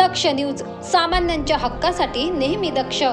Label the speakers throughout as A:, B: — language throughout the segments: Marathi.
A: दक्ष न्यूज, सामान्यांच्या हक्कासाठी नेहमी दक्ष.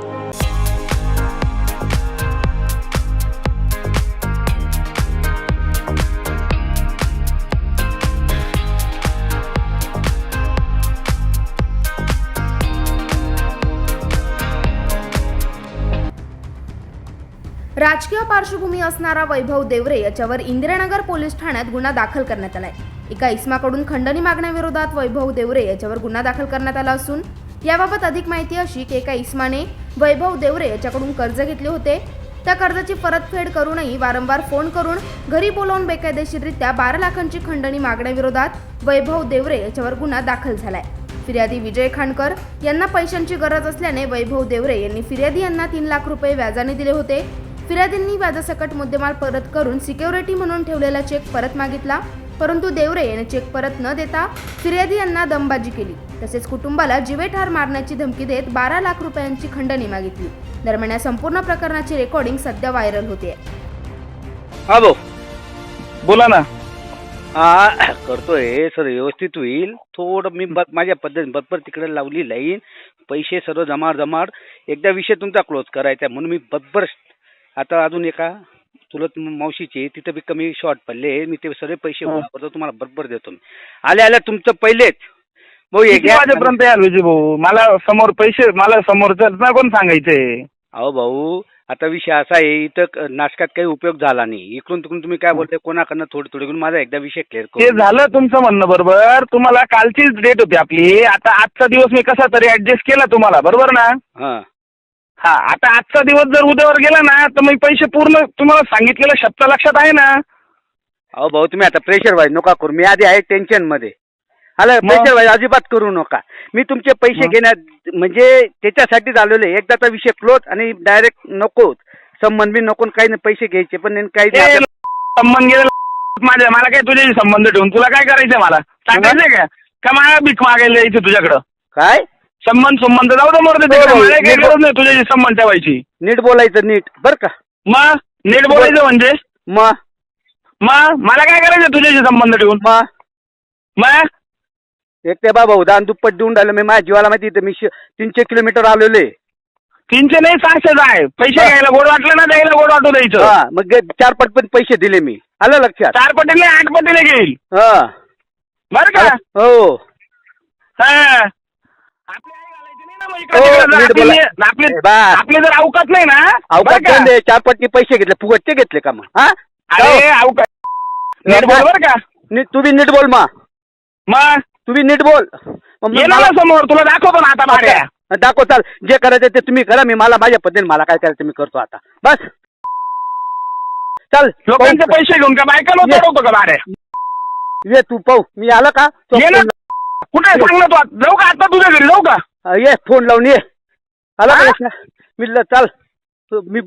B: राजकीय पार्श्वभूमी असणारा वैभव देवरे याच्यावर इंदिरानगर पोलीस ठाण्यात गुन्हा दाखल करण्यात आलाय. एका इसमाकडून खंडणी मागण्याविरोधात वैभव देवरे याच्यावर गुन्हा दाखल करण्यात आला असून याबाबत अधिक माहिती अशी की एका इसमाने वैभव देवरे याच्याकडून कर्ज घेतले होते. त्या कर्जाची परतफेड करूनही वारंवार फोन करून घरी बोलावून बेकायदेशीररित्या 12 लाखांची खंडणी मागण्याविरोधात वैभव देवरे याच्यावर गुन्हा दाखल झालाय. फिर्यादी विजय खांडकर यांना पैशांची गरज असल्याने वैभव देवरे यांनी फिर्यादी यांना 3 लाख रुपये व्याजाने दिले होते. फिर्यादींनी व्याजासकट मुद्देमाल परत करून सिक्युरिटी म्हणून ठेवलेला चेक परत मागितला, परंतु देवरे यांनी चेक परत न देता फिर्यादी यांना दमबाजी केली. तसेच कुटुंबाला जीवेठार मारण्याची धमकी देत 12 लाख रुपयांची खंडणी मागितली. दरम्यान या संपूर्ण प्रकरणाची रेकॉर्डिंग सध्या व्हायरल होते.
C: हा भाऊ
D: बोला ना.
C: हा करतोय सर, व्यवस्थित होईल. थोडं मी माझ्या पद्धतीने बरोबर तिकडे लावली लाईन, पैसे सर्व जमाड एकदा विषय तुमचा क्लोज करायचा म्हणून मी बरोबर आता अजून एका चुलत मावशीचे तिथं बी कमी शॉर्ट पडले, मी ते सगळे पैसे वापरतो तुम्हाला बरोबर देतो. आल्या तुमचं पहिलेच भाऊ
D: वाजेपर्यंत याल विजय भाऊ, मला समोर पैसे मला समोरचं ना कोण सांगायचंय.
C: अहो भाऊ आता विषय असा आहे, इथं नाटकात काही उपयोग झाला नाही. इकडून तिकडून तुम्ही काय बोलताय कोणाकडनं थोडी घेऊन माझा एकदा विषय क्लिअर करू.
D: ते झालं तुमचं म्हणणं बरोबर. तुम्हाला कालचीच डेट होती आपली. आता आजचा दिवस मी कसा तरी ऍडजस्ट केला तुम्हाला, बरोबर ना. हा आता आजचा दिवस जर उद्यावर गेला ना तर मी पैसे पूर्ण तुम्हाला सांगितलेलं शब्द लक्षात आहे ना.
C: अहो भाऊ तुम्ही आता प्रेशर वाईज नका करू, मी आधी आहे टेन्शन मध्ये. प्रेशर वाईज अजिबात करू नका. मी तुमचे पैसे घेण्यात म्हणजे त्याच्यासाठीच आलेलो आहे. एकदाचा विषय क्लोज आणि डायरेक्ट नको संबंध बी नको, काही नाही पैसे घ्यायचे पण काही
D: संबंध माझ्या मला काय तुझ्याशी संबंध ठेवून तुला काय करायचंय मला सांगायचंय का मला भीक मागायला यायचं तुझ्याकडं काय संबंध जाऊ दे मोरते मला काही गरज नाही तुझ्याशी संबंध ठेवायची.
C: नीट बोलायचं नीट बर का.
D: मग नीट बोलायचं म्हणजे मग मला काय करायचं तुझ्याशी संबंध ठेवून. मग
C: एक ते बाबा उदाहरण दुप्पट देऊन राहिलं मी माझ्या जीवाला माहिती. मी 300 किलोमीटर आलेले.
D: 300 नाही 600 आहे. पैसे घ्यायला गोड वाटलं ना द्यायला गोड वाटू द्यायचं.
C: मग 4 पट पण पैसे दिले मी. आलं लक्षात.
D: 4 पटीने 8 पटीने घेईल बर का.
C: हो
D: आपले जर अवकात नाही ना
C: अवकात 4 पटनी पैसे घेतले फुगटचे घेतले का मग.
D: अरे नीट बोल बर का.
C: तू बी नीट बोल मग तू बी नीट बोल.
D: मला समोर तुला दाखवतो ना आता भाड्या
C: दाखव. चाल जे करायचं ते तुम्ही करा, मी मला माझ्या पद्धतीने मला काय करायचं मी करतो आता बस. चल
D: लोकांचे पैसे घेऊन का बायका चढवतो का भाड्या.
C: ये तू पाहू मी आलं का.
D: कुठे सांग ना तू. जाऊ का आता तुझ्या घरी जाऊ का.
C: ये फोन लावून ये. आला का मी चाल मी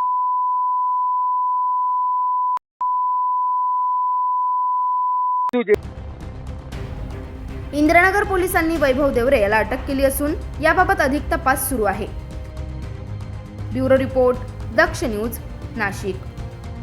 B: इंदिरानगर पोलिसांनी वैभव देवरे याला अटक केली असून याबाबत अधिक तपास सुरू आहे. Bureau report, Daksh news, Nashik.